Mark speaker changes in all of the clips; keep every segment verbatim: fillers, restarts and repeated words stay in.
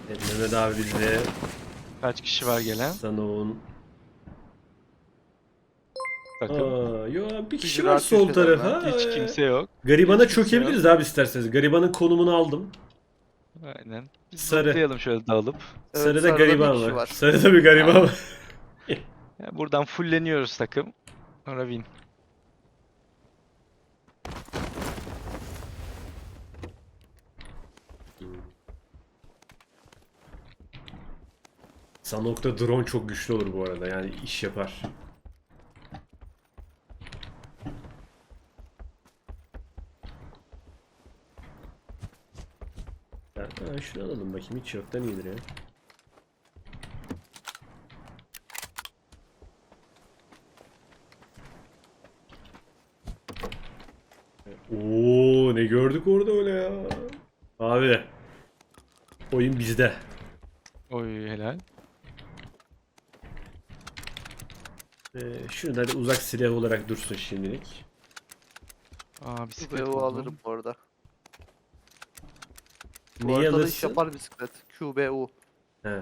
Speaker 1: Evet, Mehmet abi bizde.
Speaker 2: Kaç kişi var gelen
Speaker 1: Sanoğun.
Speaker 2: takım?
Speaker 1: Aa, yo bir kişi var
Speaker 3: Ücret
Speaker 1: sol
Speaker 3: köşelerden.
Speaker 1: tarafa.
Speaker 2: Hiç
Speaker 1: Ee,
Speaker 2: kimse yok.
Speaker 1: Garibana
Speaker 2: Hiç kimse yok.
Speaker 1: çökebiliriz abi isterseniz. Garibanın konumunu aldım.
Speaker 2: Aynen. Biz
Speaker 1: Sarı.
Speaker 2: lootlayalım şöyle dağılıp.
Speaker 3: Evet,
Speaker 1: Sarıda
Speaker 3: sarıda bir
Speaker 1: gariban
Speaker 3: kişi
Speaker 1: var.
Speaker 3: var.
Speaker 1: Sarıda bir gariban
Speaker 2: Aynen.
Speaker 1: var.
Speaker 2: Yani buradan fulleniyoruz takım. Sonra win.
Speaker 1: Sanok'ta drone çok güçlü olur bu arada. Yani iş yapar. Ha, şunu alalım bakayım. Hiç yoktan iyidir ya. Oo, ne gördük orada öyle ya. Abi. Oyun bizde.
Speaker 2: Oy helal.
Speaker 1: Ee, şunu da hadi uzak silah olarak dursun şimdilik.
Speaker 2: Aa bisiklet
Speaker 3: Q B U
Speaker 2: buldum.
Speaker 3: alırım bu arada. Bu
Speaker 1: Neyi
Speaker 3: haritada iş
Speaker 1: alırsın?
Speaker 3: yapar bisiklet. Q B U.
Speaker 1: He.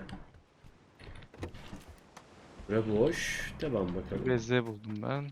Speaker 1: Bura boş. Devam bakalım.
Speaker 2: Beze buldum ben.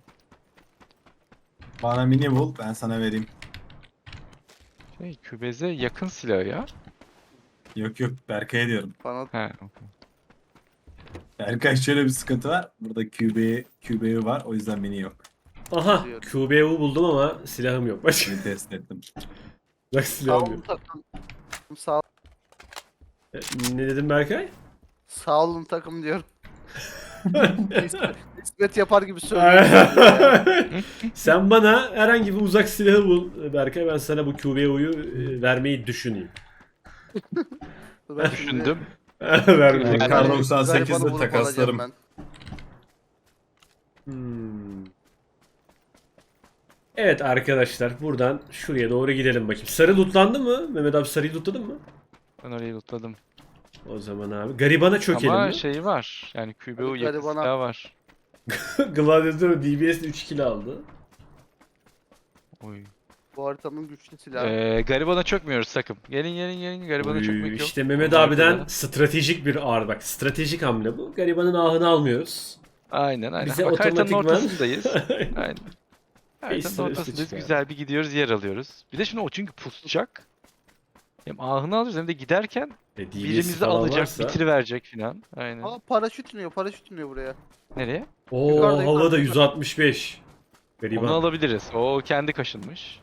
Speaker 4: Bana mini bul, ben sana vereyim.
Speaker 2: Şey kübeze yakın silah ya.
Speaker 4: Yok yok, Berkay'a diyorum.
Speaker 3: Bana
Speaker 2: He.
Speaker 4: Berkay, şöyle bir sıkıntı var. Burada Q B, Q B var, o yüzden mini yok.
Speaker 1: Aha,
Speaker 3: Biliyorum.
Speaker 1: Q B U buldum ama silahım yok. Başka
Speaker 4: Mini test ettim.
Speaker 1: uzak
Speaker 3: sağ
Speaker 1: silahım
Speaker 3: olun
Speaker 1: yok.
Speaker 3: takım. Sağ,
Speaker 1: E, Ne dedim Berkay?
Speaker 3: sağ olun takım diyorum. İsmet, İsmet yapar gibi söylüyorum.
Speaker 1: Sen bana herhangi bir uzak silahı bul Berkay. Ben sana bu Q B U'yu e, vermeyi düşüneyim.
Speaker 3: Ben şimdi
Speaker 2: Düşündüm.
Speaker 1: Vermeyi.
Speaker 2: Yani-
Speaker 4: Kar doksan sekizde
Speaker 3: garibanı bulup
Speaker 4: takaslarım.
Speaker 3: alacağım
Speaker 1: Hmm. Evet arkadaşlar buradan şuraya doğru gidelim bakayım. Sarı lootlandı mı? Mehmet abi sarıyı lootladın mı?
Speaker 2: Ben orayı lootladım.
Speaker 1: O zaman abi. Garibana çökelim
Speaker 2: Ama
Speaker 1: mi?
Speaker 2: şey var. Yani Q B U
Speaker 3: Hadi
Speaker 2: yakın
Speaker 3: garibana.
Speaker 2: silah var.
Speaker 1: Gladiator D B S üç kill aldı.
Speaker 2: Oy.
Speaker 3: ben. Bu haritanın güçlü silahı.
Speaker 2: Ee, garibana çökmüyoruz takım. Gelin gelin gelin. Garibana
Speaker 1: Oy,
Speaker 2: çökmek yok.
Speaker 1: İşte Mehmet
Speaker 2: Bunlar
Speaker 1: abiden
Speaker 2: kadar.
Speaker 1: stratejik bir ağır bak. Stratejik hamle bu. Garibanın ahını almıyoruz.
Speaker 2: Aynen aynen.
Speaker 1: Bize
Speaker 2: Bak haritanın
Speaker 1: otomatikman-
Speaker 2: ortasındayız. Aynen. Haritanın
Speaker 1: Ekstra üstü
Speaker 2: ortasındayız.
Speaker 1: çıkar.
Speaker 2: Güzel bir gidiyoruz, yer alıyoruz. Bir de şimdi o çünkü pusacak. Hem ahını alıyoruz hem de giderken
Speaker 1: E, D B S
Speaker 2: birimizi
Speaker 1: falan
Speaker 2: alacak,
Speaker 1: varsa-
Speaker 2: bitiriverecek filan. Aynen.
Speaker 3: Aa, paraşüt iniyor, paraşüt iniyor buraya.
Speaker 2: Nereye?
Speaker 1: Oo
Speaker 3: Yukarıda,
Speaker 1: havada
Speaker 3: yukarıda.
Speaker 1: yüz altmış beş. Gariban.
Speaker 2: Onu alabiliriz. O kendi kaşınmış.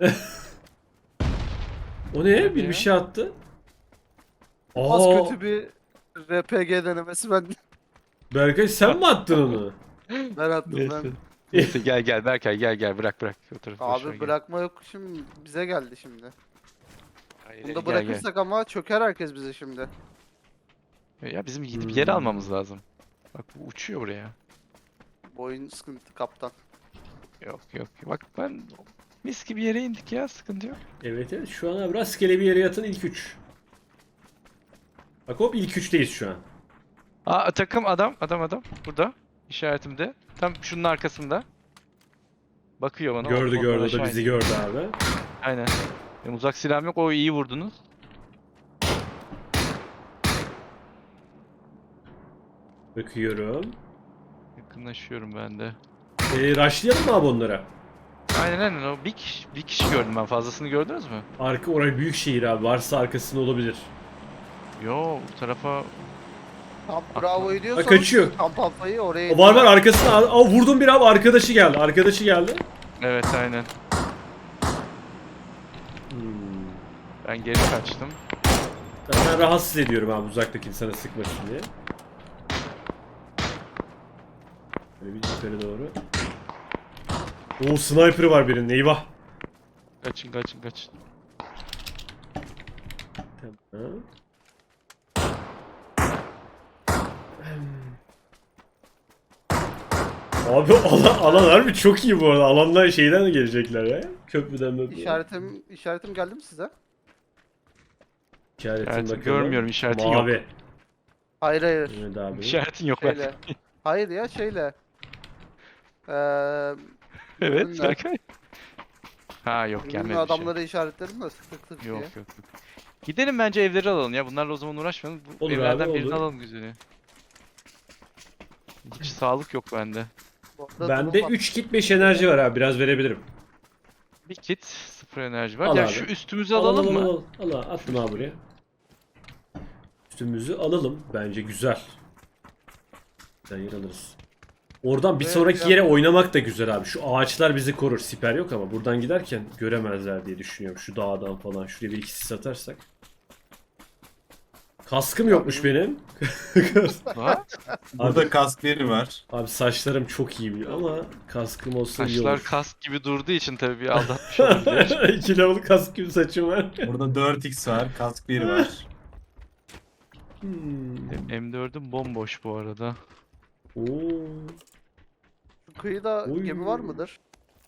Speaker 1: O ne? Bir
Speaker 2: ya?
Speaker 1: bir şey attı.
Speaker 3: Az
Speaker 1: Aa,
Speaker 3: kötü bir R P G denemesi ben
Speaker 1: Berkay sen mi attın onu?
Speaker 3: ben attım
Speaker 2: Neyse.
Speaker 3: ben.
Speaker 2: Neyse gel gel Berkay gel gel bırak bırak. O tarafı boş ver,
Speaker 3: Abi
Speaker 2: gel.
Speaker 3: bırakma yok şimdi bize geldi şimdi.
Speaker 2: Hayır,
Speaker 3: Bunu
Speaker 2: gel,
Speaker 3: da bırakırsak ama çöker herkes bize şimdi.
Speaker 2: gel. Ya bizim gidip yer
Speaker 1: Hmm.
Speaker 2: almamız lazım. Bak bu uçuyor buraya.
Speaker 3: Bu oyun sıkıntı kaptan.
Speaker 2: Yok yok. Bak ben mis gibi yere indik ya sıkıntı yok.
Speaker 1: Evet evet şu an abi rastgele bir yere yatın ilk üç. Bak hop ilk üçteyiz şu an.
Speaker 2: Aa takım adam adam adam burada işaretimde. Tam şunun arkasında. Bakıyor bana.
Speaker 1: Gördü
Speaker 2: oradan
Speaker 1: gördü o
Speaker 2: aşağı
Speaker 1: da bizi
Speaker 2: iniyor.
Speaker 1: gördü abi.
Speaker 2: Aynen. Benim uzak silahım yok. O iyi vurdunuz.
Speaker 1: Bakıyorum.
Speaker 2: Yakınlaşıyorum ben de.
Speaker 1: Ee, rushlayalım mı abi onlara?
Speaker 2: Aynen aynen. O bir kişi, bir kişi gördüm ben. Fazlasını gördünüz mü?
Speaker 1: Arka oraya büyük şehir abi. Varsa arkasında olabilir.
Speaker 2: Yo bu tarafa
Speaker 3: Tam bravo diyorsanız
Speaker 1: Ha, kaçıyor.
Speaker 3: kamp alfayı oraya
Speaker 1: O var var arkasında. Aa vurdum bir abi arkadaşı geldi. Arkadaşı geldi.
Speaker 2: evet aynen.
Speaker 1: Hmm.
Speaker 2: Ben geri kaçtım.
Speaker 1: Ben rahatsız ediyorum abi uzaktaki insana sıkmasın diye. Böyle bir yukarı doğru. Oo sniper var birinin eyvah.
Speaker 2: Kaçın kaçın kaçın.
Speaker 1: Tamam. Abi alan, alan harbi çok iyi bu arada. Alandan şeyden de gelecekler ya. Köprüden möprüden.
Speaker 3: İşaretim, işaretim geldi mi size?
Speaker 1: İşaretin
Speaker 2: İşaretin
Speaker 1: bakalım.
Speaker 2: görmüyorum, işaretin
Speaker 1: Mavi.
Speaker 2: yok.
Speaker 3: Hayır hayır.
Speaker 1: Evet abi.
Speaker 2: İşaretin yok
Speaker 3: Şeyle.
Speaker 2: bak.
Speaker 3: Hayır ya şeyle. Eee
Speaker 2: Evet
Speaker 3: ürünle.
Speaker 2: Berkay. Ha yok
Speaker 3: Ürünle
Speaker 2: gelmedi bir şey.
Speaker 3: adamları işaretledim de tık tık tık
Speaker 2: Yok
Speaker 3: diye.
Speaker 2: yok yok. Gidelim bence evleri alalım ya. Bunlarla o zaman uğraşmayalım. Bu
Speaker 1: Olur abi,
Speaker 2: evlerden birini
Speaker 1: olur.
Speaker 2: alalım güzeli. Hiç sağlık yok bende.
Speaker 3: Bu arada
Speaker 1: Bende
Speaker 3: durum var.
Speaker 1: üç kit beş enerji var abi. Biraz verebilirim.
Speaker 2: Bir kit, sıfır enerji var.
Speaker 1: Al
Speaker 2: ya
Speaker 1: abi.
Speaker 2: şu üstümüzü
Speaker 1: Al,
Speaker 2: alalım
Speaker 1: al,
Speaker 2: mı?
Speaker 1: Al, al, al, al. Attım abi buraya. Üstümüzü alalım. Bence güzel. Güzel yer alırız. Oradan bir
Speaker 3: Evet
Speaker 1: sonraki
Speaker 3: ya.
Speaker 1: yere oynamak da güzel abi. Şu ağaçlar bizi korur. Siper yok ama buradan giderken göremezler diye düşünüyorum. Şu dağdan falan. Şuraya bir ikisi satarsak. Kaskım yokmuş benim.
Speaker 2: Ha?
Speaker 4: Burada kask yeri var.
Speaker 1: Abi saçlarım çok iyi biliyor ama kaskım olsa iyi
Speaker 2: Saçlar
Speaker 1: olur.
Speaker 2: kask gibi durduğu için tabii bir aldatmış olabilir.
Speaker 1: iki level kask gibi saçım var.
Speaker 4: Burada dört x var. Kask yeri var.
Speaker 1: Hmm.
Speaker 2: M dördüm bomboş bu arada.
Speaker 1: Oo.
Speaker 3: Şu kıyıda
Speaker 1: Oy.
Speaker 3: gemi var mıdır?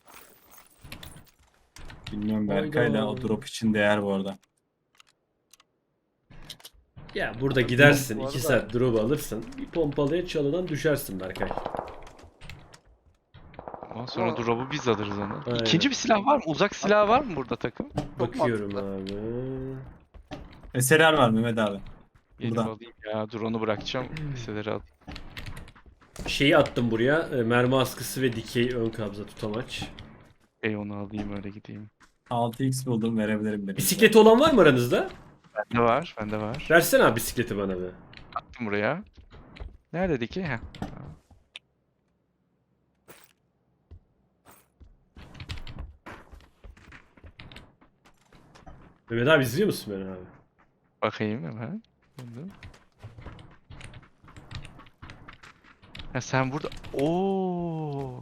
Speaker 4: Bilmiyorum Berkay'la o
Speaker 1: Hayda.
Speaker 4: drop için değer bu arada.
Speaker 1: Ya burada gidersin
Speaker 3: Bu
Speaker 1: iki
Speaker 3: arada-
Speaker 1: saat drop alırsın. Bir pompalıya çalıdan düşersin Berkay.
Speaker 2: Ondan sonra
Speaker 3: Aa.
Speaker 2: drop'u biz alırız onu.
Speaker 1: Aynen.
Speaker 2: İkinci bir silah var mı? Uzak silah var mı burada takım?
Speaker 1: Bakıyorum
Speaker 3: mantıklı.
Speaker 1: abi.
Speaker 4: Eserler var Mehmet abi.
Speaker 2: Gelip
Speaker 4: Burada.
Speaker 2: alayım ya. Drone'u bırakacağım. Liseleri al.
Speaker 1: Şeyi attım buraya. e, Mermi askısı ve dikey ön kabza tutamaç.
Speaker 2: Ey onu alayım öyle gideyim.
Speaker 4: altı x buldum verebilirim benim.
Speaker 1: Bisikleti olan var mı aranızda?
Speaker 2: Bende var. Bende var.
Speaker 1: Versene abi bisikleti bana be.
Speaker 2: Attım buraya. Nerede ki? Heh.
Speaker 1: Mehmet abi izliyor musun beni abi?
Speaker 2: Bakayım hemen. Buldum. Ha sen burada. Oo.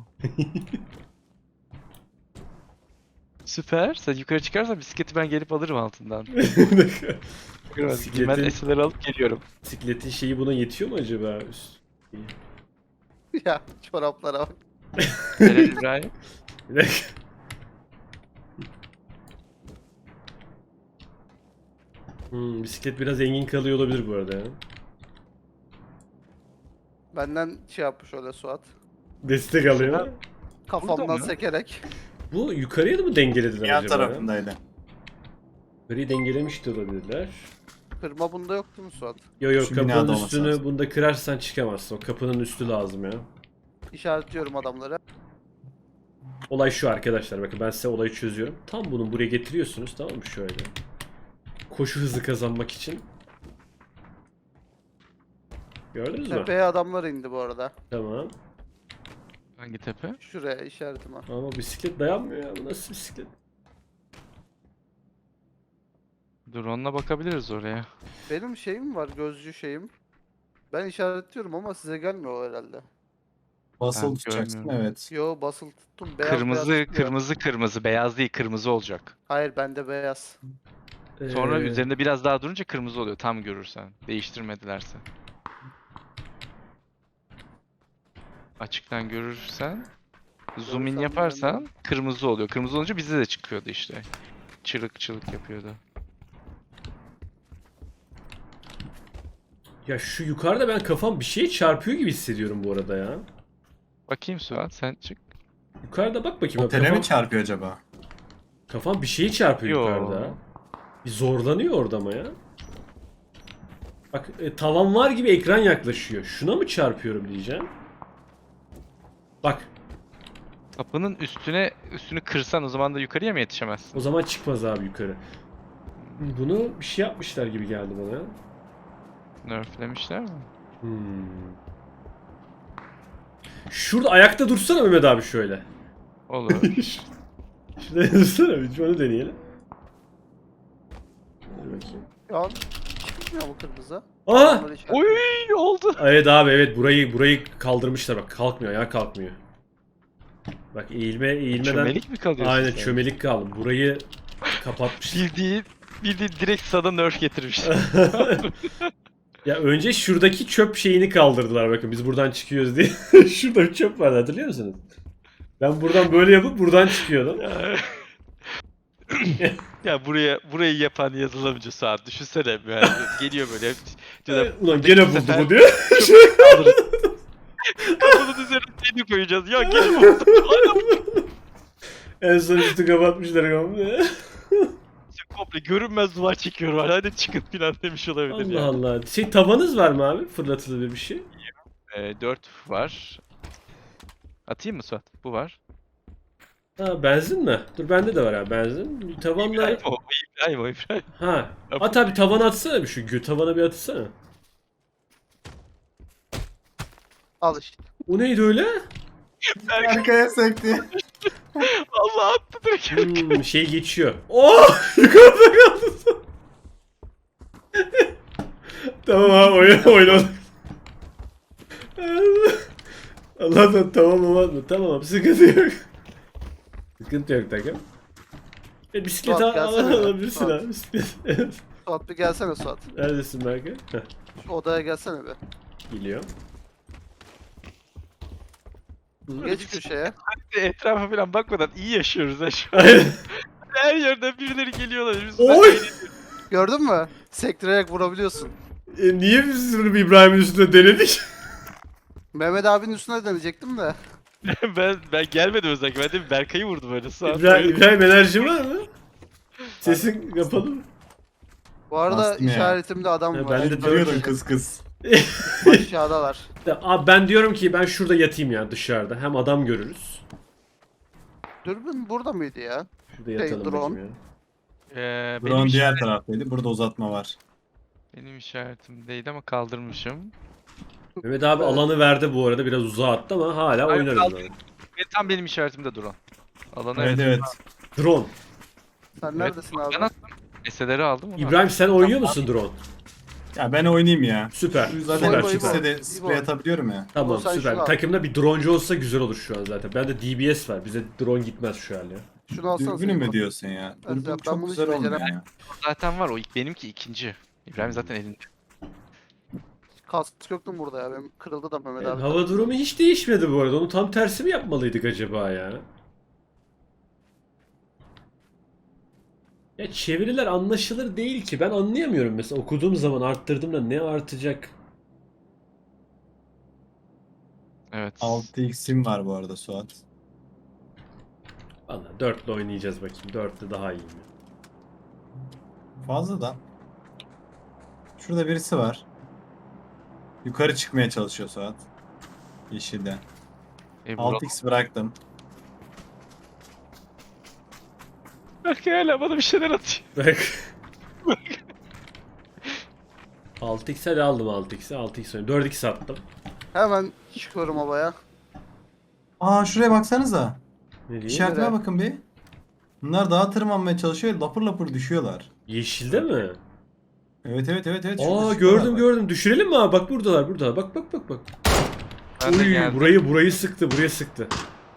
Speaker 2: Süper. Sen yukarı çıkarsan bisikleti ben gelip alırım altından. Ben
Speaker 1: Bisikletin-
Speaker 2: eserleri alıp geliyorum.
Speaker 1: Bisikletin şeyi buna yetiyor mu acaba? Üst-
Speaker 3: Ya çoraplara bak.
Speaker 2: Helal İbrahim.
Speaker 1: Bir dakika. Hmm, bisiklet biraz engin kalıyor olabilir bu arada ya.
Speaker 3: Benden şey yapmış öyle Suat.
Speaker 1: Destek alıyor.
Speaker 3: Kafamdan
Speaker 2: mı?
Speaker 3: sekerek.
Speaker 1: Bu yukarıya da mı dengelediler
Speaker 4: Yan
Speaker 1: acaba? ya?
Speaker 4: tarafındaydı.
Speaker 1: Yukarıyı dengelemiş de olabilirler.
Speaker 3: Kırma bunda yok değil mi Suat?
Speaker 1: Yo yo
Speaker 4: Şu binada
Speaker 1: kapının
Speaker 4: olması
Speaker 1: üstünü
Speaker 4: lazım.
Speaker 1: bunda kırarsan çıkamazsın. O kapının üstü lazım ya.
Speaker 3: İşaretliyorum adamları.
Speaker 1: Olay şu arkadaşlar, bakın ben size olayı çözüyorum. Tam bunu buraya getiriyorsunuz, tamam mı, şöyle. Koşu hızı kazanmak için. Gördünüz mü?
Speaker 3: Tepeye adamlar indi bu arada.
Speaker 1: Tamam.
Speaker 2: Hangi tepe?
Speaker 3: Şuraya işaretime.
Speaker 1: Ama bisiklet dayanmıyor ya. Bu nasıl bisiklet?
Speaker 2: Drone'la bakabiliriz oraya.
Speaker 3: Benim şeyim var, gözcü şeyim. Ben işaretliyorum ama size gelmiyor o herhalde.
Speaker 4: Basılı
Speaker 2: Ben
Speaker 4: tutacaksın
Speaker 2: görmüyorum.
Speaker 4: evet.
Speaker 3: Yo basılı tuttum. Beyaz
Speaker 2: Kırmızı,
Speaker 3: beyaz çıkıyor.
Speaker 2: kırmızı, kırmızı. Beyaz değil, kırmızı olacak.
Speaker 3: Hayır bende beyaz.
Speaker 2: Sonra
Speaker 1: Ee,
Speaker 2: üzerinde biraz daha durunca kırmızı oluyor. Tam görürsen. Değiştirmedilerse. Açıktan görürsen, zoom in
Speaker 3: Görürsem
Speaker 2: yaparsan
Speaker 3: bilmiyorum.
Speaker 2: kırmızı oluyor. Kırmızı olunca bize de çıkıyordu işte. Çırık çırık yapıyordu.
Speaker 1: Ya şu yukarıda ben kafam bir şeye çarpıyor gibi hissediyorum bu arada ya.
Speaker 2: Bakayım Suat sen çık.
Speaker 1: Yukarıda bak bakayım.
Speaker 4: Otele
Speaker 1: kafam,
Speaker 4: mi çarpıyor acaba?
Speaker 1: kafam bir şeye çarpıyor
Speaker 2: Yo.
Speaker 1: yukarıda. Bir zorlanıyor orada ama ya. Bak e, tavan var gibi ekran yaklaşıyor. Şuna mı çarpıyorum diyeceğim. Bak
Speaker 2: Kapının üstüne üstünü kırsan o zaman da yukarıya mı yetişemezsin?
Speaker 1: o zaman çıkmaz abi yukarı. Bunu bir şey yapmışlar gibi geldi bana.
Speaker 2: Nerflemişler mi?
Speaker 1: Hmm. Şurada ayakta dursana Mehmet abi şöyle.
Speaker 2: Olur.
Speaker 1: Şurada dursana bir onu deneyelim. Dur bakayım.
Speaker 3: Şu an çıkmıyor mu kırmızı?
Speaker 1: Aa!
Speaker 3: Adamları işaret-
Speaker 2: Oy oldu.
Speaker 1: Evet abi evet burayı burayı kaldırmışlar bak kalkmıyor ya kalkmıyor. Bak eğilme eğilmeden
Speaker 2: Çömelik mi kalıyorsun
Speaker 1: aynen
Speaker 2: sen?
Speaker 1: çömelik kaldım. Burayı kapatmışlar.
Speaker 2: Bildiğin, bildiğin direkt sana nerf getirmişler.
Speaker 1: Ya önce şuradaki çöp şeyini kaldırdılar bakın biz buradan çıkıyoruz diye. Şurada bir çöp vardı hatırlıyor musunuz? Ben buradan böyle yapıp buradan çıkıyordum.
Speaker 2: Ya buraya burayı yapan yazılımcı Suat düşünsene yani geliyor böyle diyor da
Speaker 1: Ulan gene buldu
Speaker 2: sefer-
Speaker 1: bu diyor.
Speaker 2: kaldırırız. Kapının üzerine seni koyacağız ya gel buldu.
Speaker 1: En son üstü kapatmışlar kapıyı.
Speaker 2: komple görünmez duvar çekiyorum. Hadi çıkın falan demiş olabilir
Speaker 1: Allah
Speaker 2: ya.
Speaker 1: Allah. Şey tavanız var mı abi? Fırlatılır bir şey.
Speaker 2: Ee, dört var. Atayım mı Suat? Bu var.
Speaker 1: Ha benzin mi? Dur bende de var abi benzin. Tavanlar...
Speaker 2: İbrahim o, o İbrahim o İbrahim.
Speaker 1: Ha. At abi tavana atsana bir şu gö tavana bir atsana.
Speaker 3: Al işte.
Speaker 1: O neydi öyle?
Speaker 4: Arkaya sekti.
Speaker 2: Allah attı direkt.
Speaker 1: Hmm, şey geçiyor. Oh! Yukarıda kaldı. Tamam abi oyun oynadık. Allah'tan tamam olmaz mı? Tamam abi sıkıntı yok. Sıkıntı yok takım. E, bisiklet
Speaker 3: Suat,
Speaker 1: al
Speaker 3: gelsene ya.
Speaker 1: alabilirsin
Speaker 3: Suat.
Speaker 1: abi bisiklet. Evet.
Speaker 3: Suat bir gelsene Suat.
Speaker 1: Neredesin Berkay? Heh,
Speaker 3: Şu odaya gelsene be.
Speaker 1: geliyor.
Speaker 3: Geç köşeye.
Speaker 2: Etrafa falan bakmadan iyi yaşıyoruz ha şu an.
Speaker 1: Aynen.
Speaker 2: Her yerden birileri geliyorlar. Biz
Speaker 1: Oy!
Speaker 3: Gördün mü? Sektirerek vurabiliyorsun.
Speaker 1: E, niye biz bunu İbrahim'in üstünde denedik?
Speaker 3: Mehmet abinin üstüne deneyecektim de.
Speaker 2: ben ben gelmedim özellikle. Ben de Berkay'ı vurdum öyle. Suat
Speaker 1: İbrahim,
Speaker 2: oyun-
Speaker 1: İbrahim enerji var mı? Sesin kapalı mı?
Speaker 3: Bu arada
Speaker 4: Bastım ya.
Speaker 3: işaretimde adam
Speaker 1: Ha,
Speaker 3: var.
Speaker 1: ben de
Speaker 4: Duruyordun kız kız.
Speaker 3: Aşağıdalar.
Speaker 1: Abi ben diyorum ki ben şurada yatayım ya dışarıda. Hem adam görürüz.
Speaker 3: Dürbün burada mıydı ya?
Speaker 1: Şurada yatalım
Speaker 3: drone.
Speaker 1: bakayım ya.
Speaker 2: Ee, benim,
Speaker 4: Drone diğer
Speaker 2: işaret-
Speaker 4: taraftaydı. Burada uzatma var.
Speaker 2: benim işaretimdeydi ama kaldırmışım.
Speaker 1: Mehmet abi
Speaker 3: Evet.
Speaker 1: alanı verdi bu arada biraz uzağa attı ama hala
Speaker 2: Hayır,
Speaker 1: oynarız.
Speaker 2: kaldı.
Speaker 1: yani.
Speaker 2: Ve tam benim işaretimde duran. Alanı
Speaker 4: Evet evet.
Speaker 1: Drone.
Speaker 3: Sen
Speaker 2: Evet,
Speaker 3: neredesin abi?
Speaker 2: Ben attım. Eseleri aldım. onu
Speaker 1: İbrahim sen oynuyor musun drone?
Speaker 4: Ya ben oynayayım ya.
Speaker 1: Süper.
Speaker 4: Şu zaten
Speaker 1: Süper
Speaker 3: İbo,
Speaker 1: süper.
Speaker 4: ikisi de
Speaker 3: İbo.
Speaker 4: sprey atabiliyorum ya.
Speaker 1: Tamam
Speaker 3: İbo, sen
Speaker 1: süper.
Speaker 3: şunu al.
Speaker 1: Takımda bir droncu olsa güzel olur şu an zaten. Bende D B S var. Bize drone gitmez şu an ya.
Speaker 3: Şunu alsana.
Speaker 4: Dürbünü
Speaker 3: sen.
Speaker 4: mü diyorsun ya?
Speaker 3: Ben-
Speaker 4: Dürbün
Speaker 3: ben
Speaker 4: çok
Speaker 3: bunu
Speaker 4: güzel
Speaker 3: hiç
Speaker 4: olmuyor
Speaker 3: beceremem.
Speaker 4: ya.
Speaker 2: zaten var. O ilk benimki ikinci. İbrahim zaten elinde.
Speaker 3: Kask yoktu mu burada ya? Benim kırıldı da Mehmet
Speaker 1: Yani
Speaker 3: abi.
Speaker 1: hava durumu hiç değişmedi bu arada. Onu tam tersi mi yapmalıydık acaba ya? Ya çeviriler anlaşılır değil ki. Ben anlayamıyorum mesela okuduğum zaman arttırdığımda ne artacak?
Speaker 2: Evet.
Speaker 4: altı x'im var bu arada Suat.
Speaker 1: Valla dörtle oynayacağız bakayım. Dörtte daha iyi mi?
Speaker 4: Fazla da. Şurada birisi var. Yukarı çıkmaya çalışıyor Suat. Yeşilde.
Speaker 2: E, vuralım.
Speaker 4: altı x bıraktım.
Speaker 2: Berkay hala bana bir şeyler atıyor.
Speaker 1: Bak. altı x'e de aldım altı x'e. altı x oynuyorum. dört x attım.
Speaker 3: Hemen çıkıyorum havaya.
Speaker 4: Aa şuraya baksanıza.
Speaker 1: Ne diyeyim?
Speaker 4: İşaretime
Speaker 3: Nereye?
Speaker 4: bakın bir. Bunlar dağa tırmanmaya çalışıyor. Lapır lapır düşüyorlar.
Speaker 1: Yeşilde mi?
Speaker 4: Evet evet evet evet. şurada
Speaker 1: Aa
Speaker 4: çıkıyorlar
Speaker 1: gördüm
Speaker 4: bak.
Speaker 1: gördüm. Düşürelim mi abi? Bak buradalar buradalar. Bak bak bak bak.
Speaker 2: Ben de
Speaker 1: Uy,
Speaker 2: geldim.
Speaker 1: burayı burayı sıktı. Buraya sıktı.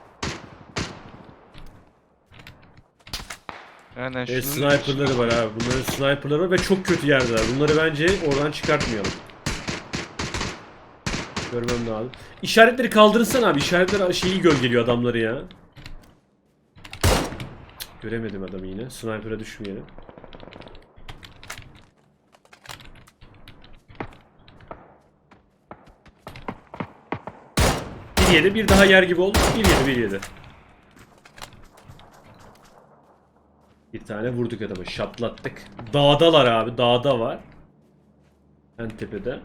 Speaker 2: Aynen
Speaker 1: Evet,
Speaker 2: şunun
Speaker 1: sniperları var abi. Bunların sniperları var ve çok kötü yerdeler. Bunları bence oradan çıkartmayalım. Görmem lazım. İşaretleri kaldırırsan abi. İşaretler şeyi gölgeliyor adamları ya. Cık, göremedim adamı yine. Sniper'a düşmeyelim. Bir yedi, bir daha yer gibi oldu. Bir yedi, bir yedi. Bir tane vurduk adamı, şaplattık. Dağdalar abi, dağda var. En tepede.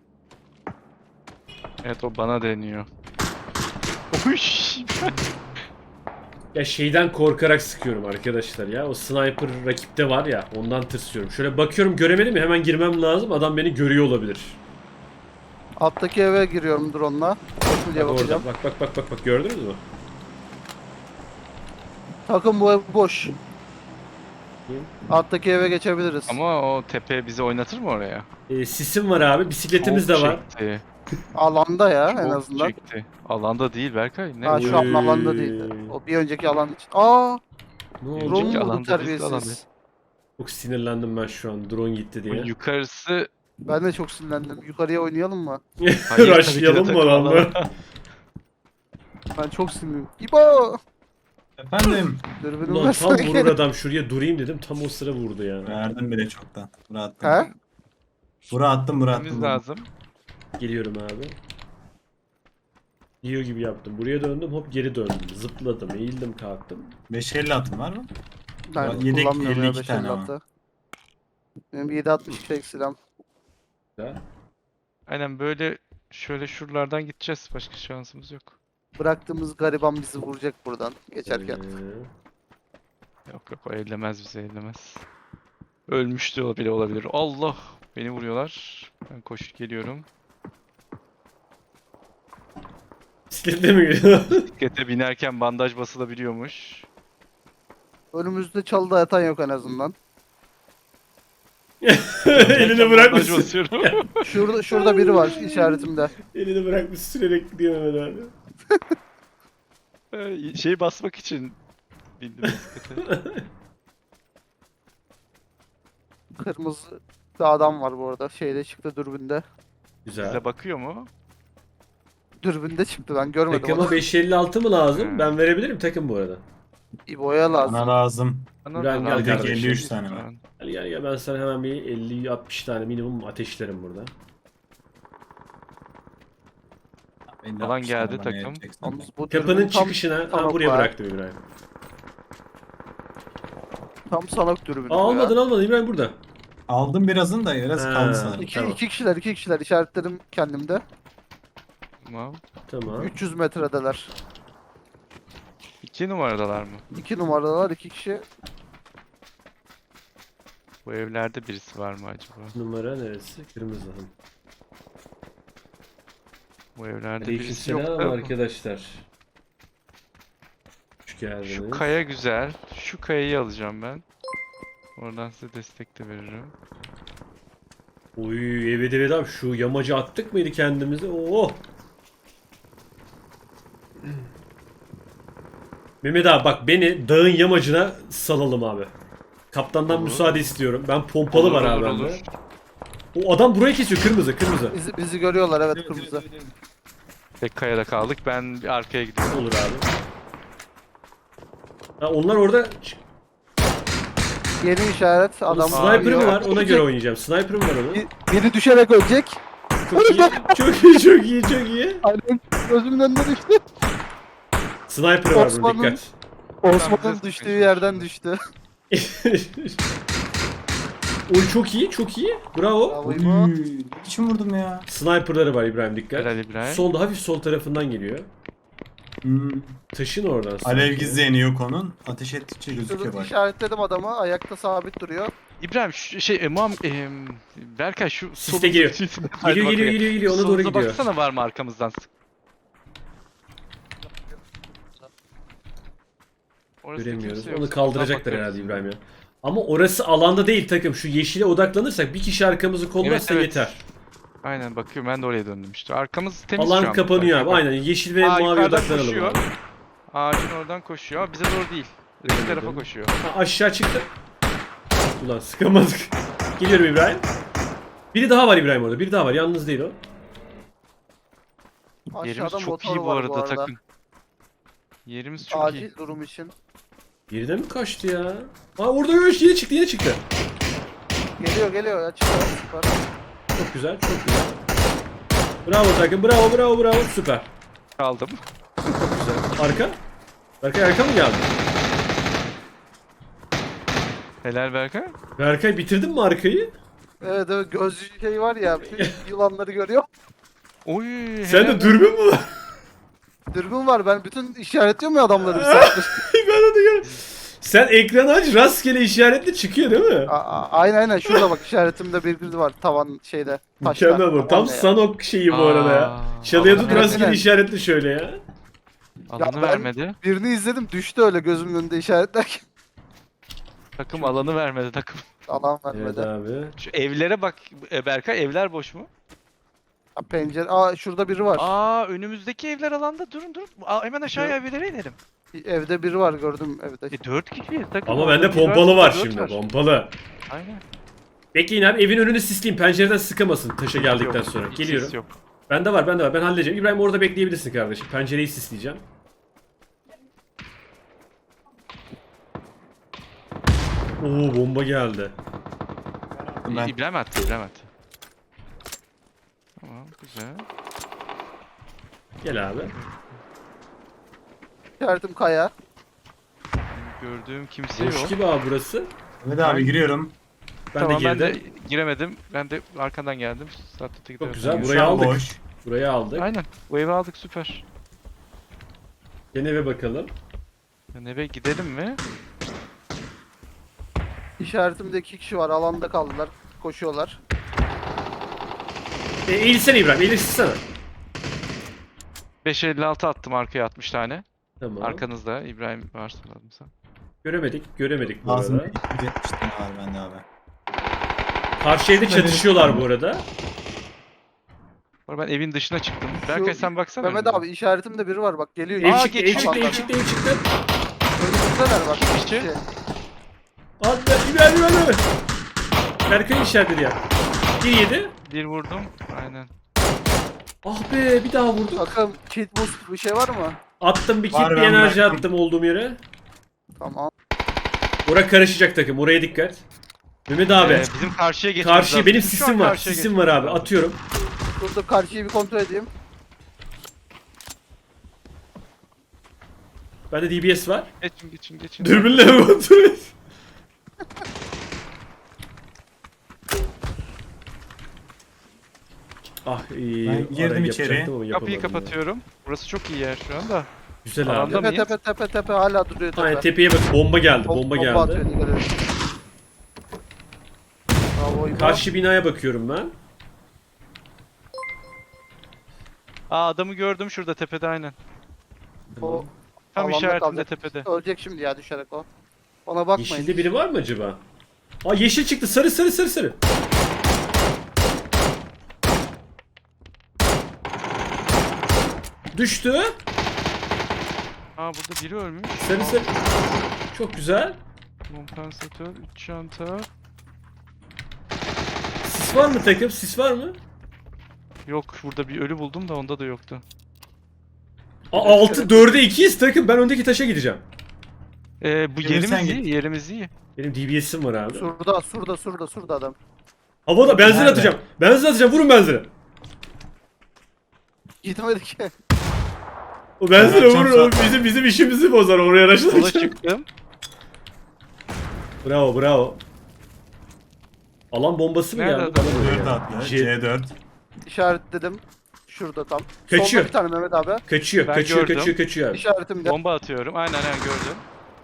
Speaker 2: Evet o bana deniyor. Uyş.
Speaker 1: Ya şeyden korkarak sıkıyorum arkadaşlar ya. O sniper rakipte var ya, ondan tırsıyorum. Şöyle bakıyorum göremedim ya, hemen girmem lazım. Adam beni görüyor olabilir.
Speaker 3: Alttaki eve giriyorum drone'la. Nasıl diye
Speaker 1: Bak orada,
Speaker 3: bakacağım.
Speaker 1: bak bak bak bak bak gördünüz mü?
Speaker 3: Takım bu ev boş. Alttaki eve geçebiliriz.
Speaker 2: Ama o tepe bizi oynatır mı oraya?
Speaker 1: Ee, sisim var abi, bisikletimiz
Speaker 2: Çok
Speaker 1: de var.
Speaker 2: çekti,
Speaker 3: Alanda ya en
Speaker 2: çok
Speaker 3: azından.
Speaker 2: çekti. Alanda değil Berkay. Ne?
Speaker 3: Ha şu an
Speaker 1: Oy.
Speaker 3: alanda değildi. O bir önceki alan için. Aa,
Speaker 1: Ne oldu?
Speaker 2: Önceki
Speaker 3: drone mu
Speaker 2: alanda
Speaker 3: bu
Speaker 2: biz de alandayız.
Speaker 3: terbiyesiz?
Speaker 1: Çok sinirlendim ben şu an, drone gitti
Speaker 2: Bu
Speaker 1: diye.
Speaker 2: yukarısı
Speaker 3: Ben de çok sinirlendim. Yukarıya oynayalım mı?
Speaker 2: Hayır, tabii ki de
Speaker 1: Rushlayalım mı
Speaker 2: takım
Speaker 1: adamla?
Speaker 3: Ben çok sinirliyim. İbo!
Speaker 4: Efendim.
Speaker 3: Dürbünüm
Speaker 1: Ulan tam
Speaker 3: versene
Speaker 1: vurur
Speaker 3: geri.
Speaker 1: adam, şuraya durayım dedim, tam o sıra vurdu ya.
Speaker 4: Verdim bile çoktan. Bura attım.
Speaker 3: He?
Speaker 4: Bura attım bura
Speaker 2: gitmemiz
Speaker 4: attım.
Speaker 2: lazım.
Speaker 1: Geliyorum abi. Diyor gibi yaptım. Buraya döndüm, hop geri döndüm. Zıpladım, eğildim, kalktım.
Speaker 4: beş elli atım var mı?
Speaker 3: Ben
Speaker 4: Yedek
Speaker 3: kullanmıyorum ya
Speaker 4: elli iki tane ama.
Speaker 3: beş elli altı. Benim yedi altmış fake silahım.
Speaker 1: Güzel.
Speaker 2: Aynen böyle şöyle şuralardan gideceğiz. Başka şansımız yok.
Speaker 3: Bıraktığımız gariban bizi vuracak buradan geçerken.
Speaker 1: Ee,
Speaker 2: Yok yok o ellemez bizi ellemez. Ölmüş de bile olabilir. Allah! Beni vuruyorlar. Ben koşup geliyorum.
Speaker 1: Bisiklette mi geliyor?
Speaker 2: Bisiklete binerken bandaj basılabiliyormuş.
Speaker 3: Önümüzde çalıda yatan yok en azından.
Speaker 1: Elini
Speaker 2: Bandaj
Speaker 1: bırakmışsın.
Speaker 2: basıyorum.
Speaker 3: Şurada şurada biri var işaretimde.
Speaker 1: Elini bırakmış sürerek gidiyor Mehmet abi.
Speaker 2: Ee, şey basmak için bindim bisiklete.
Speaker 3: Kırmızı bir adam var bu arada. Şeyde çıktı dürbünde.
Speaker 1: Güzel.
Speaker 2: Bize bakıyor mu?
Speaker 3: Dürbünde çıktı ben görmedim
Speaker 1: Takıma
Speaker 3: onu.
Speaker 1: beş elli altı mı lazım?
Speaker 2: Hmm.
Speaker 1: Ben verebilirim takım bu arada.
Speaker 3: İbo'ya lazım.
Speaker 4: Bana lazım.
Speaker 2: Bana
Speaker 1: İbrahim
Speaker 2: da
Speaker 1: gel
Speaker 2: lazım.
Speaker 1: kardeşim.
Speaker 4: elli üç tane var.
Speaker 1: Gel gel gel ben sana hemen bir elli altmış tane minimum ateşlerim burada.
Speaker 4: elli
Speaker 2: Alan
Speaker 4: altmış
Speaker 2: geldi
Speaker 4: tane bana
Speaker 2: takım.
Speaker 4: yeteceksin.
Speaker 3: Yalnız bu
Speaker 1: Kapının
Speaker 3: dürbün tam,
Speaker 1: çıkışına
Speaker 3: tam
Speaker 1: ha, buraya
Speaker 3: var.
Speaker 1: bıraktım İbrahim.
Speaker 3: tam sanok dürbünü.
Speaker 1: Aa,
Speaker 3: bu
Speaker 1: almadın
Speaker 3: ya.
Speaker 1: almadın İbrahim burada.
Speaker 4: Aldım birazını da biraz
Speaker 1: Ha.
Speaker 4: kaldı sanırım.
Speaker 3: İki,
Speaker 1: Tamam.
Speaker 3: iki kişiler iki kişiler işaretlerim kendimde.
Speaker 2: Tamam.
Speaker 1: Tamam.
Speaker 3: üç yüz metredeler.
Speaker 2: İki numaradalar mı?
Speaker 3: iki numaralar iki kişi.
Speaker 2: Bu evlerde birisi var mı acaba?
Speaker 1: Numara neresi? Kırmızı.
Speaker 2: Bu evlerde birisi yok
Speaker 1: Aleykümselam
Speaker 2: da.
Speaker 1: arkadaşlar. Hoş geldiniz.
Speaker 2: Şu kaya güzel. Şu kayayı alacağım ben. Oradan size destek de veririm.
Speaker 1: Oy evet evet abi şu yamacı attık mıydı kendimize? Oo. Mehmet abi bak beni dağın yamacına salalım abi. Kaptandan
Speaker 2: Olur.
Speaker 1: müsaade istiyorum. Ben pompalı
Speaker 2: Olur,
Speaker 1: var abi
Speaker 2: olur,
Speaker 1: bende.
Speaker 2: olur.
Speaker 1: O adam burayı kesiyor kırmızı kırmızı.
Speaker 3: Bizi, bizi görüyorlar evet kırmızı.
Speaker 2: Tek kayada kaldık. Ben bir arkaya gidiyorum.
Speaker 1: Olur abi. Ha, onlar orada
Speaker 3: Yeni işaret
Speaker 1: Onun
Speaker 3: adam.
Speaker 1: sniper'ı mı
Speaker 3: Aa,
Speaker 1: var? Ona göre oynayacağım. Sniper'ı mı var onun?
Speaker 3: Bir- Biri düşerek ölecek.
Speaker 1: Çok iyi. Çok iyi, çok iyi, çok iyi.
Speaker 3: Aynen gözümün önünde düştü.
Speaker 1: Sniper var bunun
Speaker 3: Osman'ın-
Speaker 1: dikkat.
Speaker 3: Osman'ın
Speaker 2: bize
Speaker 3: düştüğü
Speaker 2: sıkışmış.
Speaker 3: yerden düştü.
Speaker 1: Oy çok iyi, çok iyi. Bravo.
Speaker 3: Bravo İbo.
Speaker 4: Uy, Kim vurdum ya?
Speaker 1: Sniper'ları var İbrahim dikkat.
Speaker 2: Helal İbrahim.
Speaker 1: Solda hafif sol tarafından geliyor.
Speaker 4: Hmm.
Speaker 1: Taşın oradan.
Speaker 4: Alev
Speaker 1: sanki.
Speaker 4: gizleyeni yok onun. Ateş ettikçe gözüküyor
Speaker 3: Şurada
Speaker 4: bak.
Speaker 3: işaretledim adamı ayakta sabit duruyor.
Speaker 2: İbrahim şu şey e, Muam e, Berkay şu
Speaker 1: Siste
Speaker 2: solumuza
Speaker 1: geliyor.
Speaker 2: çizsin. Hadi
Speaker 1: Geliyor, geliyor,
Speaker 2: bakayım.
Speaker 1: geliyor, geliyor. Ona doğru
Speaker 2: Solunuza
Speaker 1: gidiyor.
Speaker 2: baksana var mı arkamızdan? Orası
Speaker 1: Göremiyoruz.
Speaker 2: kimse yok.
Speaker 1: Onu
Speaker 2: Soldan
Speaker 1: kaldıracaklar
Speaker 2: bakıyoruz.
Speaker 1: herhalde İbrahim ya. Ama orası alanda değil takım. Şu yeşile odaklanırsak bir kişi arkamızı kollarsa
Speaker 2: Evet, evet.
Speaker 1: yeter.
Speaker 2: Aynen bakıyorum ben de oraya döndüm işte. Arkamız temiz şu
Speaker 1: Alan
Speaker 2: an.
Speaker 1: kapanıyor
Speaker 2: Bak,
Speaker 1: abi.
Speaker 2: bak.
Speaker 1: Aynen yeşil ve
Speaker 2: Aa,
Speaker 1: mavi
Speaker 2: yukarıdan
Speaker 1: odaklanalım
Speaker 2: koşuyor.
Speaker 1: abi.
Speaker 2: Ağacın oradan koşuyor ama bize doğru değil. Öteki tarafa koşuyor.
Speaker 1: Ha, aşağı çıktı. Ulan sıkamadık. Geliyorum İbrahim. Biri daha var İbrahim orada. Biri daha var. Yalnız değil o.
Speaker 2: Yerimiz
Speaker 3: Aşağıda
Speaker 2: çok
Speaker 3: motor
Speaker 2: iyi bu
Speaker 3: var
Speaker 2: arada,
Speaker 3: bu arada.
Speaker 2: takım. Yerimiz çok
Speaker 3: Acil
Speaker 2: iyi.
Speaker 3: durum için.
Speaker 1: Birine mi kaçtı ya? Aa orada yok. Yine çıktı. Yine çıktı.
Speaker 3: Geliyor geliyor ya çıkıyor. Süper.
Speaker 1: Çok güzel. Çok güzel. Bravo takım. Bravo bravo bravo. Süper.
Speaker 2: Kaldım.
Speaker 1: Güzel. Arka. Berkay arka mı geldi?
Speaker 2: Helal Berkay.
Speaker 1: Berkay bitirdin mi arkayı?
Speaker 3: Evet evet gözlü şey var ya bütün yılanları görüyor.
Speaker 2: Oy.
Speaker 1: Sen
Speaker 2: helal.
Speaker 1: de dürbün mü var?
Speaker 3: Dürbün var ben bütün işaretliyorum ya adamları bir saattir.
Speaker 1: Ben onu gör. Sen ekranı aç rastgele işaretli çıkıyor değil mi?
Speaker 3: A- a- aynen aynen şurada bak işaretimde bir bir var tavan şeyde taşta.
Speaker 1: Mükemmel bu. Tam
Speaker 3: Tavanda ya.
Speaker 1: Sanok şeyi bu arada ya.
Speaker 2: Aa,
Speaker 1: Çalıya
Speaker 2: alanı
Speaker 1: tut
Speaker 3: Evet,
Speaker 1: rastgele
Speaker 3: evet.
Speaker 1: işaretli şöyle ya.
Speaker 2: Alanı
Speaker 3: ben-
Speaker 2: vermedi.
Speaker 3: Birini izledim düştü öyle gözümün önünde işaretlerken.
Speaker 2: Takım alanı vermedi takım.
Speaker 3: Alan
Speaker 1: Evet
Speaker 3: vermedi.
Speaker 1: abi.
Speaker 2: Şu evlere bak e, Berkay, evler boş mu?
Speaker 3: Ha, pencere. Aa şurada biri var.
Speaker 2: Aa önümüzdeki evler alanda, durun durun. Aa, hemen aşağıya evlere inelim.
Speaker 3: Evde biri var gördüm evde.
Speaker 2: E dört kişiyiz takım.
Speaker 1: Ama
Speaker 2: orada
Speaker 1: bende
Speaker 2: bir
Speaker 1: pompalı var
Speaker 2: dört
Speaker 1: şimdi. Pompalı.
Speaker 2: Aynen.
Speaker 1: Bekleyin abi evin önünü sisleyeyim. Pencereden sıkamasın taşa geldikten
Speaker 2: Yok,
Speaker 1: sonra.
Speaker 2: hiç
Speaker 1: Geliyorum.
Speaker 2: ses Yok.
Speaker 1: Bende var bende var. Ben halledeceğim. İbrahim orada bekleyebilirsin kardeşim. Pencereyi sisleyeceğim. Oo bomba geldi.
Speaker 4: Ben
Speaker 2: İbrahim attı, İbrahim attı. Tamam, güzel.
Speaker 1: Gel abi.
Speaker 3: İşaretim kaya.
Speaker 2: Gördüğüm kimse
Speaker 1: Boş
Speaker 2: yok.
Speaker 1: gibi abi burası.
Speaker 4: Evet abi giriyorum.
Speaker 1: Ben
Speaker 2: tamam
Speaker 1: de
Speaker 2: ben
Speaker 1: girdim.
Speaker 2: de giremedim. Ben de arkandan geldim. Start'ta
Speaker 1: Çok güzel.
Speaker 4: Şu
Speaker 1: Burayı
Speaker 4: an
Speaker 1: aldık.
Speaker 4: boş.
Speaker 1: Burayı aldık.
Speaker 2: Aynen. Bu evi aldık süper.
Speaker 1: Gene eve bakalım.
Speaker 2: Yani eve gidelim mi?
Speaker 3: İşaretimde iki kişi var. Alanda kaldılar. Koşuyorlar.
Speaker 1: E, eğilsene İbrahim. Eğilsene.
Speaker 2: beş elli altı attım arkaya altmış tane.
Speaker 1: Tamam.
Speaker 2: Arkanızda İbrahim varsa lazımsa.
Speaker 1: Göremedik. Göremedik bu
Speaker 4: Ağzında
Speaker 1: arada.
Speaker 4: iki yüz yetmiş tane var bende abi.
Speaker 1: Karşı evde çatışıyorlar bu arada.
Speaker 2: Sonra ben evin dışına çıktım. Berkay sen baksana.
Speaker 3: Mehmet
Speaker 2: önüne.
Speaker 3: abi işaretimde biri var bak geliyor.
Speaker 1: Ev
Speaker 2: Aa,
Speaker 1: çıktı, ev
Speaker 2: geçiyor.
Speaker 1: çıktı, ev çıktı, ev çıktı.
Speaker 3: Önümüzdeler bak.
Speaker 2: İki
Speaker 3: iki
Speaker 2: kişi.
Speaker 3: kişi.
Speaker 1: Al ben İbrahim İbrahim. Berkay işaretledi ya. Bir yedi.
Speaker 2: Bir vurdum. Aynen.
Speaker 1: Ah be bir daha vurdu.
Speaker 3: Takım kit boost bir şey var mı?
Speaker 1: Attım bir kit
Speaker 4: Var,
Speaker 1: bir
Speaker 4: ben
Speaker 1: enerji
Speaker 4: bıraktım.
Speaker 1: attım olduğum yere.
Speaker 3: Tamam.
Speaker 1: Oraya karışacak takım. Oraya dikkat. Mehmet abi.
Speaker 2: Ee, bizim karşıya geçmemiz
Speaker 1: karşıya
Speaker 2: lazım.
Speaker 1: benim
Speaker 2: Bizim şu an
Speaker 1: sisim var.
Speaker 2: karşıya
Speaker 1: Sisim var
Speaker 2: geçmemiz
Speaker 1: abi.
Speaker 2: lazım.
Speaker 1: Atıyorum.
Speaker 3: Dur dur karşıyı bir kontrol edeyim.
Speaker 1: Bende D B S var.
Speaker 2: Geçin geçin geçin.
Speaker 1: Dürbünle mi kontrol et? Ah iyi.
Speaker 4: Ben girdim
Speaker 1: Arayı
Speaker 4: içeri.
Speaker 1: yapacaktım ama
Speaker 2: Kapıyı
Speaker 1: yapamadım ya.
Speaker 2: kapatıyorum. Burası çok iyi yer şu anda.
Speaker 1: Güzel
Speaker 2: Alanda
Speaker 1: abi.
Speaker 2: mı?
Speaker 3: Tepe
Speaker 2: mıyız?
Speaker 3: tepe tepe tepe hala duruyor tepe.
Speaker 1: Aynen tepeye bak. Bomba geldi.
Speaker 3: Bom-
Speaker 1: Bomba
Speaker 3: atıyor,
Speaker 1: geldi.
Speaker 3: dikkat edin. Bravo İbo.
Speaker 1: Karşı binaya bakıyorum ben.
Speaker 2: Aa adamı gördüm şurada tepede aynen.
Speaker 3: O
Speaker 2: Tam
Speaker 3: alanda
Speaker 2: işaretimde
Speaker 3: kalacak.
Speaker 2: tepede.
Speaker 3: Ölecek şimdi ya düşerek o. Ona bakmayın.
Speaker 1: Yeşilde biri var mı acaba? Aa yeşil çıktı. Sarı sarı sarı sarı. Düştü.
Speaker 2: Aa burada biri ölmüş.
Speaker 1: Sarı sarı. Çok güzel.
Speaker 2: Kompansatör, üç çanta.
Speaker 1: Sis var mı takım? Sis var mı?
Speaker 2: Yok burada bir ölü buldum da onda da yoktu.
Speaker 1: Aa altı dörde ikiyiz takım. Ben öndeki taşa gideceğim.
Speaker 2: Ee, bu
Speaker 4: Emir,
Speaker 2: yerimiz
Speaker 4: sen
Speaker 2: iyi,
Speaker 4: git.
Speaker 2: yerimiz iyi.
Speaker 1: Benim D B S'im var abi.
Speaker 3: Surda surda surda surda adam.
Speaker 1: Havada benzin
Speaker 4: Nerede?
Speaker 1: atacağım. Benzin atacağım. Vurun benzini.
Speaker 3: Gitmedi ki.
Speaker 1: O benzini
Speaker 4: Ben
Speaker 1: vurun.
Speaker 4: atacağım
Speaker 1: Oğlum. Bizim bizim işimizi bozar oraya
Speaker 2: Sola
Speaker 1: araçlayacağım.
Speaker 2: çıktım.
Speaker 1: Bravo bravo. Alan bombası mı
Speaker 2: Nerede
Speaker 1: geldi?
Speaker 2: adam?
Speaker 1: Bana böyle
Speaker 4: dört
Speaker 1: geldi.
Speaker 4: atlı.
Speaker 1: Jet-
Speaker 4: C dört.
Speaker 3: İşaretledim. Şurada tam.
Speaker 1: Kaçıyor.
Speaker 3: Solda bir tane Mehmet abi.
Speaker 1: Kaçıyor,
Speaker 2: Ben
Speaker 1: kaçıyor,
Speaker 2: gördüm.
Speaker 1: kaçıyor, kaçıyor abi.
Speaker 3: İşaretimde.
Speaker 2: Bomba atıyorum. Aynen aynen gördüm.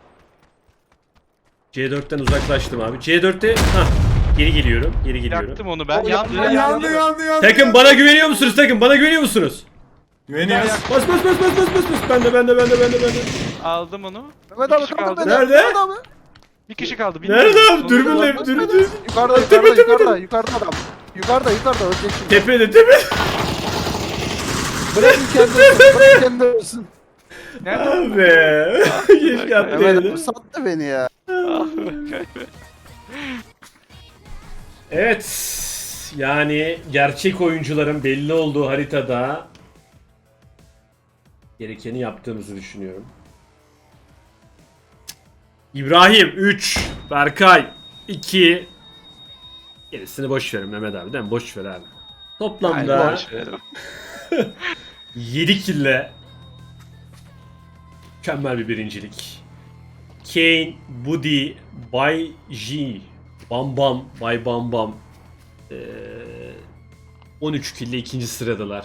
Speaker 1: C dörtten uzaklaştım abi. C dörtte ha geri geliyorum. Geri geliyorum.
Speaker 2: Yaktım onu ben.
Speaker 3: O
Speaker 2: Yandı
Speaker 3: yandı,
Speaker 2: yandı.
Speaker 4: Yandı yandı yandı.
Speaker 1: Takım bana güveniyor musunuz takım? Bana güveniyor musunuz?
Speaker 4: Güveniyoruz.
Speaker 1: Bas bas bas bas bas bas bas. Bende bende bende bende bende.
Speaker 2: Aldım onu.
Speaker 3: Mehmet
Speaker 2: Bir
Speaker 3: abi
Speaker 2: kişi
Speaker 3: kaldır
Speaker 2: kaldı.
Speaker 3: beni.
Speaker 1: Nerede?
Speaker 3: Mehmet abi.
Speaker 2: Bir kişi kaldı.
Speaker 1: Nerede
Speaker 2: bilmiyorum.
Speaker 1: abi?
Speaker 2: Sonunda
Speaker 1: Dürbünle
Speaker 2: var.
Speaker 1: dürbün.
Speaker 3: Yukarıda
Speaker 1: Tepe,
Speaker 3: yukarıda
Speaker 1: tepe,
Speaker 3: yukarıda yukarıda adam. Yukarıda yukarıda ölecek şimdi.
Speaker 1: Tepede tepe.
Speaker 3: Bırakın kendi ölsün. Bırakın kendi ölsün.
Speaker 2: Nerede?
Speaker 1: Abi. Keşke
Speaker 3: Mehmet
Speaker 1: atlayalım.
Speaker 3: abi sattı beni ya.
Speaker 2: Ah, Berkay.
Speaker 1: Evet. Yani gerçek oyuncuların belli olduğu haritada gerekeni yaptığımızı düşünüyorum. İbrahim üç, Berkay iki. Gerisini boş verin Mehmet abi değil mi? Boş ver abi.
Speaker 2: Aynen,
Speaker 1: Toplamda
Speaker 2: boş verelim.
Speaker 1: yedi kille mükemmel bir birincilik. Kane, Budi, Bay J, Bam Bam, Bay Bam Bam ee, on üç kille ikinci sıradalar.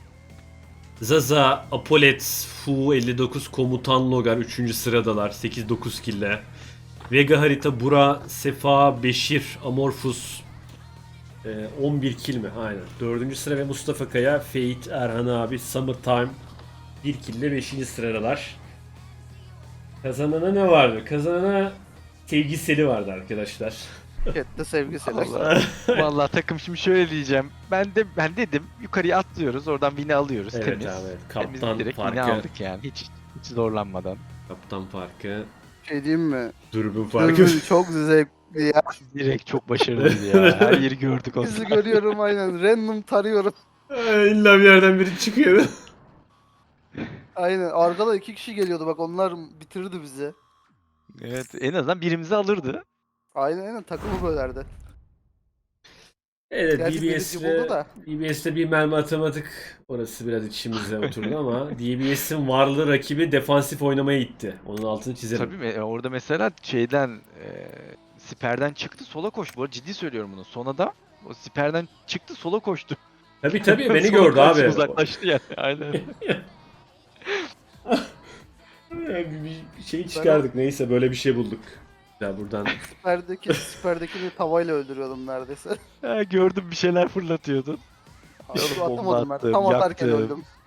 Speaker 1: Zaza, Apolet, Fu elli dokuz, Komutan Logar üçüncü sıradalar sekiz dokuz kille. Vega harita Bura, Sefa, Beşir, Amorphous ee, on bir kill mi? Aynen. dördüncü sıra ve Mustafa Kaya, Fate, Erhan abi, Summertime bir kille beşinci sıradalar. Kazanana ne vardı? Kazanana sevgiseli vardı arkadaşlar.
Speaker 3: Chatte sevgisiyle.
Speaker 2: Allah. Vallahi takım şimdi şöyle diyeceğim. Ben de ben dedim yukarıya atlıyoruz. Oradan win'i alıyoruz.
Speaker 1: Evet
Speaker 2: temiz.
Speaker 1: abi.
Speaker 2: Temiz
Speaker 1: Kaptan
Speaker 2: direkt win'i
Speaker 1: farkı.
Speaker 2: aldık yani. Hiç hiç zorlanmadan.
Speaker 1: Kaptan farkı.
Speaker 3: Şey diyeyim mi?
Speaker 1: Dürbün farkı.
Speaker 3: Dürbün çok zevkli ya.
Speaker 2: Direkt çok başarılıydı ya. Her yeri gördük onu.
Speaker 3: Bizi görüyorum aynen. Random tarıyorum.
Speaker 1: İlla bir yerden biri çıkıyor.
Speaker 3: Aynen. Arkada iki kişi geliyordu bak onlar bitirdi bizi.
Speaker 2: Evet en azından birimizi alırdı.
Speaker 3: Aynen aynen takımı bölerdi.
Speaker 1: Evet,
Speaker 3: Gerçi birinci buldu
Speaker 1: D B S'le
Speaker 3: da.
Speaker 1: D B S'le bir mermi atamadık. Orası biraz içimize oturdu ama D B S'in varlığı rakibi defansif oynamaya itti. Onun altını çizelim.
Speaker 2: Tabii mi? Orada mesela şeyden e, siperden çıktı sola koştu. Bu arada ciddi söylüyorum bunu. Son adam o siperden çıktı sola koştu.
Speaker 1: Tabii tabii beni
Speaker 2: Sola
Speaker 1: gördü
Speaker 2: kaçtı,
Speaker 1: abi.
Speaker 2: Uzaklaştı yani. Aynen.
Speaker 1: Yani bir, bir şey çıkardık. Neyse böyle bir şey bulduk. Ya buradan
Speaker 3: Siperdeki, siperdekini tavayla öldürüyordum neredeyse.
Speaker 2: Ha, gördüm bir şeyler fırlatıyordun.
Speaker 3: Abi,
Speaker 2: Oğlum,
Speaker 3: şu atamadım
Speaker 2: bomba
Speaker 3: ben.
Speaker 2: attım,
Speaker 3: Tam atarken
Speaker 2: yaktım.
Speaker 3: öldüm.